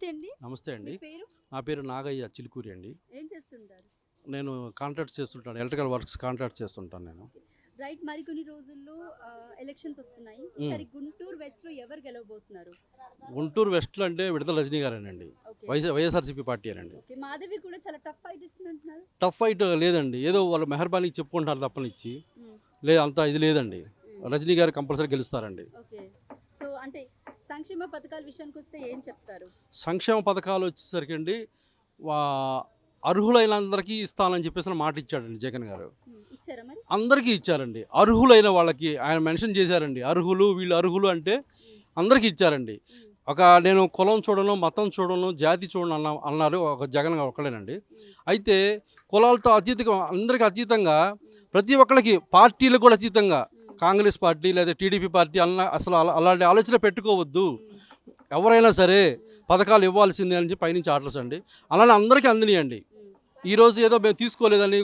నమస్తే అండి. నమస్తే మీ అండి. పేరు? నా పేరు నాగయ్య చిలుకూరి అండి. ఏం చేస్తుంటారు? నేను కాంట్రాక్ట్స్ చేస్తుంటాను. ఎలక్ట్రికల్ వర్క్స్ కాంట్రాక్ట్ చేస్తుంటాను నేను. రైట్, మరికొన్ని రోజుల్లో ఎలక్షన్స్ వస్తున్నాయి. హ్మ్. ఈసారి గుంటూరు వెస్ట్‌లో ఎవరు గెలవబోతున్నారు? గుంటూరు వెస్ట్‌లో అంటే విడదల రజనీ గారేనండి. ఓకే. వైఎస్ఆర్‌సీపీ పార్టీయేనండి. ఓకే. మాధవి కూడా చాలా టఫ్ ఫైట్ ఇస్తుందంటున్నారు. టఫ్ ఫైట్ లేదండి. ఏదో వాళ్ళు మెహర్బానీకి చెప్పుకుంటున్నారు తప్పనిచ్చి. హ్మ్. అంత ఇది లేదండి. హ్మ్. రజనీ గారు కంపల్సరీ గెలుస్తారండి. ఓకే. సో అంటే సంక్షేమ పథకాల విషయానికొస్తే ఏం చెప్తారు? సంక్షేమ పథకాలు వచ్చేసరికండి వా అర్హులైనందరికీ ఇస్తానని చెప్పేసి మాట ఇచ్చాడండి జగన్ గారు. ఇచ్చారా మరి? అందరికీ ఇచ్చారండి. అర్హులైన వాళ్ళకి ఆయన మెన్షన్ చేశారండి. అర్హులు, వీళ్ళు అర్హులు అంటే అందరికీ ఇచ్చారండి. హ్మ్. నేను కులం చూడను, మతం చూడను, జాతి చూడను అన్నారు ఒక జగన్ ఒక్కడేనండి. అయితే కులాలతో అతీతంగా అందరికీ అతీతంగా ప్రతి ఒక్కళ్ళకి పార్టీలకు కూడా అతీతంగా కాంగ్రెస్ పార్టీ లేదా టీడీపీ పార్టీ అసలు అలాంటి ఆలోచన పెట్టుకోవద్దు. ఎవరైనా సరే పథకాలు ఇవ్వాల్సిందే అని చెప్పి పైనుంచి ఆర్డర్స్ అండి. అలానే అందరికీ అందినాయండి. ఈరోజు ఏదో మేము తీసుకోలేదని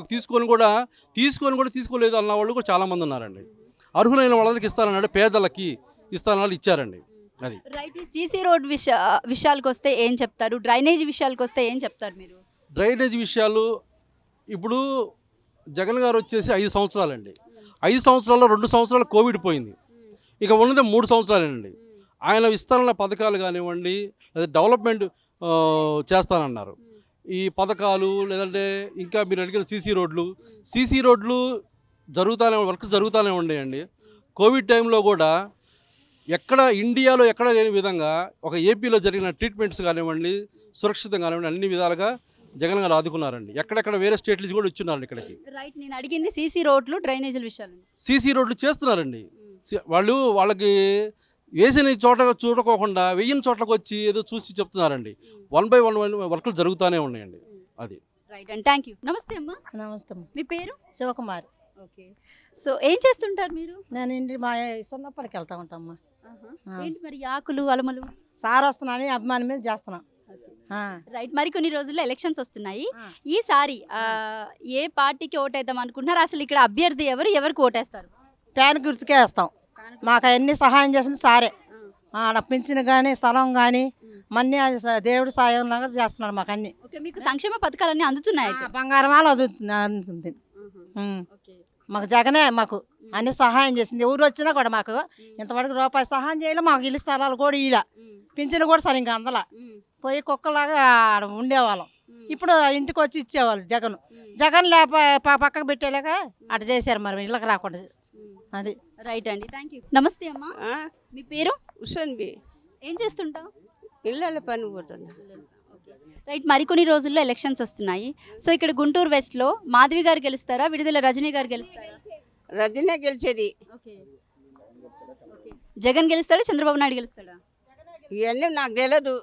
తీసుకోలేదు అన్న వాళ్ళు కూడా చాలామంది ఉన్నారండి. అర్హులైన వాళ్ళకి ఇస్తానన్నాడు, పేదలకి ఇస్తానన్నాడు, ఇచ్చారండి. అది రైట్. ఈ సీసీ రోడ్ విషయాలకొస్తే ఏం చెప్తారు? డ్రైనేజ్ విషయాలకొస్తే ఏం చెప్తారు మీరు? డ్రైనేజ్ విషయాలు ఇప్పుడు జగన్ గారు వచ్చేసి 5 సంవత్సరాలండి. 5 సంవత్సరాల్లో 2 సంవత్సరాలు కోవిడ్ పోయింది. ఇక ఉన్నది 3 సంవత్సరాలేనండి. ఆయన విస్తరణ పథకాలు కానివ్వండి, లేదా డెవలప్మెంట్ చేస్తానన్నారు. ఈ పథకాలు లేదంటే ఇంకా మీరు అడిగిన సీసీ రోడ్లు వర్క్ జరుగుతూనే ఉండేయండి. కోవిడ్ టైంలో కూడా ఇండియాలో ఎక్కడ లేని విధంగా ఒక ఏపీలో జరిగిన ట్రీట్మెంట్స్ కానివ్వండి, సురక్షితం కానివ్వండి, అన్ని విధాలుగా జగన్ గారు ఆదుకున్నారండి. ఎక్కడెక్కడ వేరే స్టేట్ నుంచి కూడా ఇచ్చున్నారండి ఇక్కడికి. రైట్, నేను అడిగింది సీసీ రోడ్లు, డ్రైనేజీల విషయాలు. సీసీ రోడ్లు చేస్తున్నారండి. వాళ్ళకి వేసిన చోట చూడకోకుండా వెయ్యిన చోట్లకు వచ్చి ఏదో చూసి చెప్తున్నారండి. 1 by 1 వర్కులు జరుగుతూనే ఉన్నాయండి. అది రైట్ అండ్ థ్యాంక్ యూ. నమస్తే అమ్మా. నమస్తే మీ పేరు? శివకుమారి. ఓకే. సో ఏం చేస్తుంటారు మీరు? నేను ఇంటి మా సున్నప్పటికి వెళ్తా ఉంటామ్మా. ఏంటి మరి ఆకులు అలమలు? సార్ వస్తున్నాని అభిమానం మీద చేస్తున్నా. రైట్, మరి కొన్ని రోజుల్లో ఎలక్షన్స్ వస్తున్నాయి. ఈసారి ఏ పార్టీకి ఓటేద్దాం అనుకుంటున్నారు? అసలు ఇక్కడ అభ్యర్థి ఎవరికి ఓటేస్తారు? ప్యాన్ గుర్తుకే వేస్తాం. మాకు అన్ని సహాయం చేసింది సారే. ఆడ పింఛను కానీ స్థలం కానీ మన్ని దేవుడు సాయం లాగా చేస్తున్నాడు మాకు అన్ని. ఓకే, మీకు సంక్షేమ పథకాలన్నీ అందుతున్నాయి? బంగారం అందుతుంది. మాకు జగనే మాకు అన్ని సహాయం చేసింది. ఎవరు వచ్చినా కూడా మాకు ఇంతవరకు రూపాయి సహాయం చేయలే. మాకు ఇల్లు స్థలాలు కూడా ఇలా పింఛను కూడా సరిగ్గా అందలా. పోయి కుక్కలాగా ఆడ ఉండేవాళ్ళం. ఇప్పుడు ఇంటికి వచ్చి ఇచ్చేవాళ్ళు జగన్ పక్కకు పెట్టేలాక అటు చేశారు. మరి ఇళ్ళకి రాకుండా అది. రైట్ అండి, థ్యాంక్ యూ. నమస్తే అమ్మా. మీ పేరు? హుసేన్ బి. ఏం చేస్తుంటావు? ఇళ్ళ పని పోతున్నా. రైట్, మరికొన్ని రోజుల్లో ఎలక్షన్స్ వస్తున్నాయి. సో ఇక్కడ గుంటూరు వెస్ట్లో మాధవి గారు గెలుస్తారా, విడుదల రజనీ గారు గెలుస్తారా? రజనే గెలిచేది. ఓకే. జగన్ గెలుస్తాడా, చంద్రబాబు నాయుడు గెలుస్తాడా? ఇవన్నీ నాకు తెలియదు.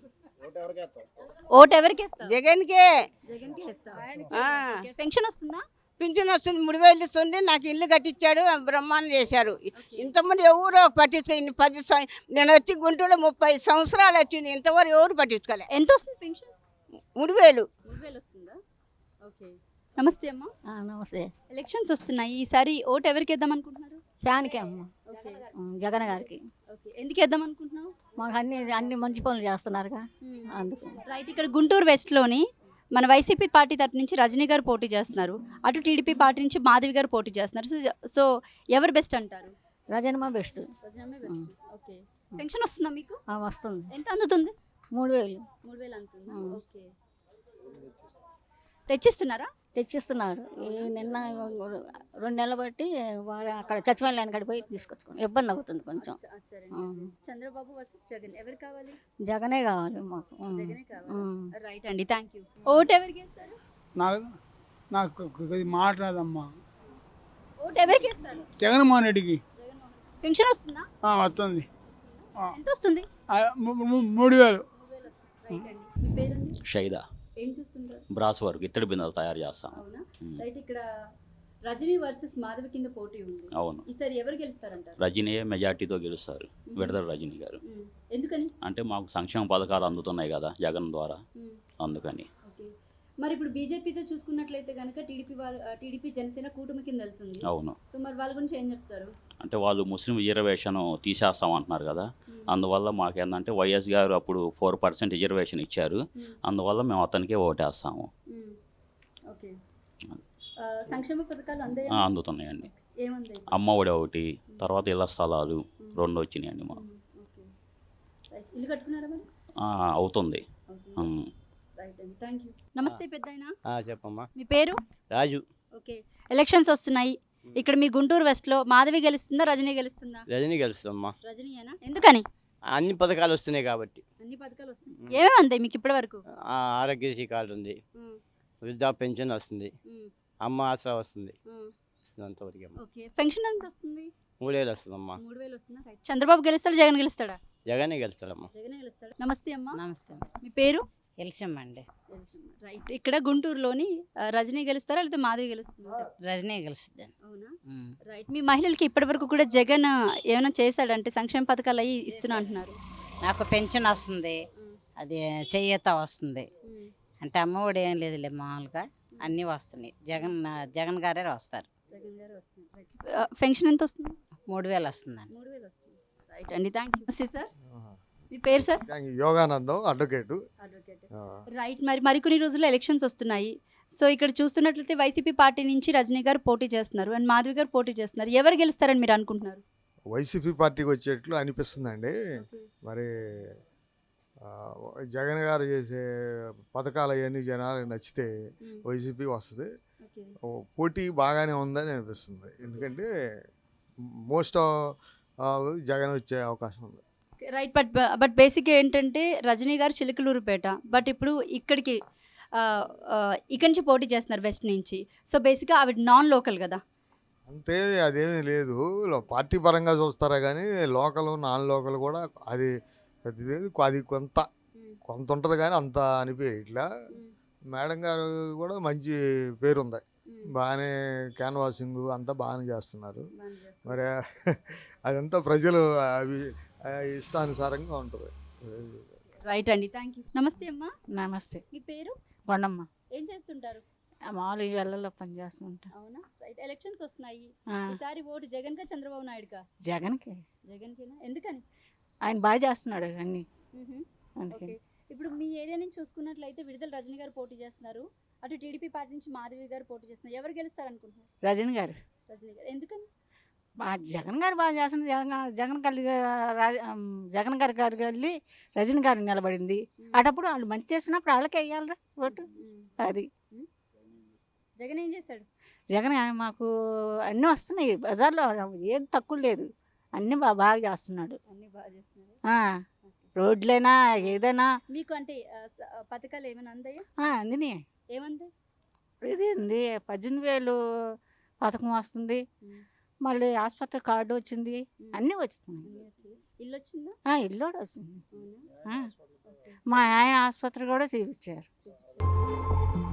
ఓటు ఎవరికి వేస్తావు? జగన్కే. జగన్కి వేస్తావా? పెన్షన్ వస్తుందా? పింఛన్ వస్తుంది, 3000 ఇస్తుంది. నాకు ఇల్లు కట్టించాడు, బ్రహ్మాండం చేశారు. ఇంతమంది ఎవరో పట్టించుకో 10 నేను వచ్చి గుంటూరులో 30 సంవత్సరాలు వచ్చింది, ఇంతవరకు ఎవరు పట్టించుకోలే. ఎంత వస్తుంది పెన్షన్? 3000. 3000 వస్తుందా? ఓకే. నమస్తే అమ్మా. నమస్తే. ఎలక్షన్స్ వస్తున్నాయి. ఈసారి ఓటు ఎవరికి వేద్దాం అనుకుంటున్నారు? ఫ్యాన్కే అమ్మ. ఓకే. జగన్ గారికి. ఓకే, ఎందుకు వేద్దాం అనుకుంటున్నావు? మాకు అన్ని మంచి పనులు చేస్తున్నారుగా అందుకు. రైట్, ఇక్కడ గుంటూరు వెస్ట్లోని మన వైసీపీ పార్టీ తరపు నుంచి రజనీ గారు పోటీ చేస్తున్నారు, అటు టీడీపీ పార్టీ నుంచి మాధవి గారు పోటీ చేస్తున్నారు. సో ఎవరు బెస్ట్ అంటారు? రజనమ్మ బెస్ట్. ఓకే. పెన్షన్ వస్తుందా మీకు? వస్తుంది. ఎంత అందుతుంది? 3000. 3000 అందుతుందా? ఓకే. తెచ్చిస్తున్నారా? తెచ్చిస్తున్నారు. నిన్న 2 నెలలు బట్టి వారు అక్కడ సచివాలయానికి అక్కడ పోయి తీసుకొచ్చుకోండి. ఇబ్బంది అవుతుంది కొంచెం. చంద్రబాబు వర్సెస్ జగన్ ఎవరు కావాలి? జగనే కావాలి మాకు. జగనే కావాలి. రైట్ అండి, థ్యాంక్ యూ. ఓటు ఎవరికి వేస్తారు? నాకు మాట రాదమ్మా. ఓటు ఎవరికి వేస్తారు? జగన్మోహన్ రెడ్డికి. పెన్షన్ వస్తుందా? వస్తుంది. ఎంత వస్తుంది? 3000. మీ పేరండి? షైదా. ఏం చేస్తుంటారు? బ్రాస్ వర్క్, ఇత్తడి బిందెలు తయారు చేస్తాం. అవునా? రైట్, ఇక్కడ రజనీ వర్సెస్ మాధవి కింద పోటీ ఉంది. అవును. ఈసారి ఎవరు గెలుస్తారంటారు? రజనీ మెజార్టీతో గెలుస్తారు, విడదల రజనీ గారు. ఎందుకని? అంటే మాకు సంక్షేమ పథకాలు అందుతున్నాయి కదా జగన్ ద్వారా, అందుకని. మరి ఇప్పుడు బీజేపీతో చూసుకున్నట్లయితే కనుక టీడీపీ జనసేన కూటమి కింద వెళ్తుంది. అవును. సో మరి వాళ్ళ గురించి ఏం చెప్తారు? అంటే వాళ్ళు ముస్లిం రిజర్వేషన్ తీసేస్తాం అంటున్నారు కదా, అందువల్ల మాకేందంటే వైఎస్ గారు అప్పుడు 4% రిజర్వేషన్ ఇచ్చారు. అందువల్ల మేము అతనికే ఓటేస్తాము. ఓకే. సంక్షేమ పథకాలు అందుతున్నాయండి. ఏముంది? అమ్మ ఒడి ఒకటి, తర్వాత ఇళ్ల స్థలాలు 2 వచ్చినాయండి మాకు. ఇల్లు కట్టుకున్నారా మరి? అవుతుంది. రైట్ అండి, థ్యాంక్ యూ. నమస్తే పెద్దాయన. చెప్పమ్మా. మీ పేరు? రాజు. ఓకే. ఎలక్షన్స్ వస్తున్నాయి. ఇక్కడ మీ గుంటూరు వెస్ట్లో మాధవి గెలుస్తుందా, రజనీ గెలుస్తుందా? రజనీ గెలుస్తుందమ్మా. రజనీయేనా? ఎందుకని? అన్ని పథకాలు వస్తున్నాయి కాబట్టి. అన్ని పథకాలు వస్తున్నాయి. ఏమేమి అందాయి మీకు ఇప్పటి వరకు? ఆరోగ్యశ్రీ కార్డు ఉంది, వృద్ధా పెన్షన్ వస్తుంది, అమ్మ ఆసరా వస్తుంది. అంతవరకు. ఓకే. పెన్షన్ ఎంత వస్తుంది? 3000 వస్తుందమ్మా. 3000 వస్తుందా? రైట్. చంద్రబాబు గెలుస్తాడా, జగన్ గెలుస్తాడా? జగనే గెలుస్తాడమ్మా. జగనే గెలుస్తాడు. నమస్తే అమ్మా. నమస్తే. మీ పేరు? గెలిచామండి. రైట్. ఇక్కడ గుంటూరులోని రజనీ గెలుస్తారా లేకపోతే మాధవి గెలుస్తుందా? రజనీ గెలుస్తుంది. అవునా? రైట్. మీ మహిళలకి ఇప్పటి వరకు కూడా జగన్ ఏమైనా చేశాడంటే సంక్షేమ పథకాలు అవి ఇస్తున్నా అంటున్నారు. నాకు పెన్షన్ వస్తుంది, అది చెయ్యత వస్తుంది. అంటే అమ్మఒడి ఏం లేదులే, మామూలుగా అన్నీ వస్తున్నాయి. జగన్ గారే వస్తారు. పెన్షన్ ఎంత వస్తుంది? 3000 వస్తుందండి. 3000 వస్తుంది. రైట్ అండి, థ్యాంక్ యూ. నమస్తే సార్. మీ పేరు సార్? యోగానందం, అడ్వకేటు. రైట్. మరికొన్ని రోజుల్లో ఎలక్షన్స్ వస్తున్నాయి. సో ఇక్కడ చూస్తున్నట్లయితే వైసీపీ పార్టీ నుంచి రజనీ గారు పోటీ చేస్తున్నారు అండ్ మాధవి గారు పోటీ చేస్తున్నారు. ఎవరు గెలుస్తారని మీరు అనుకుంటున్నారు? వైసీపీ పార్టీకి వచ్చేట్లు అనిపిస్తుందండి. మరి జగన్ గారు చేసే పథకాలు అవన్నీ జనాలకు నచ్చితే వైసీపీ వస్తుంది. పోటీ బాగానే ఉందని అనిపిస్తుంది. ఎందుకంటే మోస్ట్ జగన్ వచ్చే అవకాశం ఉంది. రైట్. బట్ బేసిక్గా ఏంటంటే రజనీ గారు చిలకలూరుపేట, బట్ ఇప్పుడు ఇక్కడికి ఇక్కడి నుంచి పోటీ చేస్తున్నారు వెస్ట్ నుంచి. సో బేసిక్గా ఆవిడ నాన్ లోకల్ కదా. అంతే, అదేమీ లేదు. పార్టీ పరంగా చూస్తారా కానీ లోకల్ నాన్ లోకల్ కూడా అది అది కొంత ఉంటుంది కానీ అంత అనిపించదు. ఇట్లా మేడం గారు కూడా మంచి పేరు ఉంది, బాగానే క్యాన్వాసింగ్ అంతా బాగానే చేస్తున్నారు. మరి అదంతా ప్రజలు ఇష్టానుసారంగా ఉంటుంది. రైట్ అండి, థ్యాంక్ యూ. నమస్తే అమ్మా. నమస్తే. మీ పేరు? కొండమ్మ. ఏం చేస్తుంటారు? మామూలు ఇళ్ళల్లో పని చేస్తుంటా. అవునా? రైట్. ఎలక్షన్స్ వస్తున్నాయి. ఈసారి ఓటు జగన్ కా చంద్రబాబు నాయుడుకా? జగన్కి. జగన్కేనా? ఎందుకని? ఆయన బాగా చేస్తున్నాడు అన్ని. ఓకే. ఇప్పుడు మీ ఏరియా నుంచి చూసుకున్నట్లయితే విడుదల రజనీ గారు పోటీ చేస్తున్నారు, అటు టీడీపీ పార్టీ నుంచి మాధవి గారు పోటీ చేస్తున్నారు. ఎవరు గెలుస్తారు అనుకుంటున్నారు? రజనీ గారు. రజనీ గారు. ఎందుకని? జగన్ గారు బాగా చేస్తుంది. జగన్ గారి వెళ్ళి రజనీ గారు నిలబడింది. అటప్పుడు వాళ్ళు మంచి చేసినప్పుడు వాళ్ళకి వేయాలరా ఓటు. అది జగన్ ఏం చేశాడు? జగన్ మాకు అన్నీ వస్తున్నాయి, బజార్లో ఏది తక్కువ లేదు, అన్నీ బాగా చేస్తున్నాడు. అన్ని బాగా చేస్తున్నారు. రోడ్లైనా ఏదైనా మీకు అంటే పథకాలు ఏమైనా అందాయా? అందిని. ఏమంది? ఇది 18,000 పథకం వస్తుంది, మళ్ళీ ఆసుపత్రి కార్డు వచ్చింది, అన్నీ వస్తున్నాయి. ఇల్లు వచ్చిందా? ఇల్లు కూడా వచ్చింది. మా ఆయన ఆసుపత్రి కూడా చూపించారు.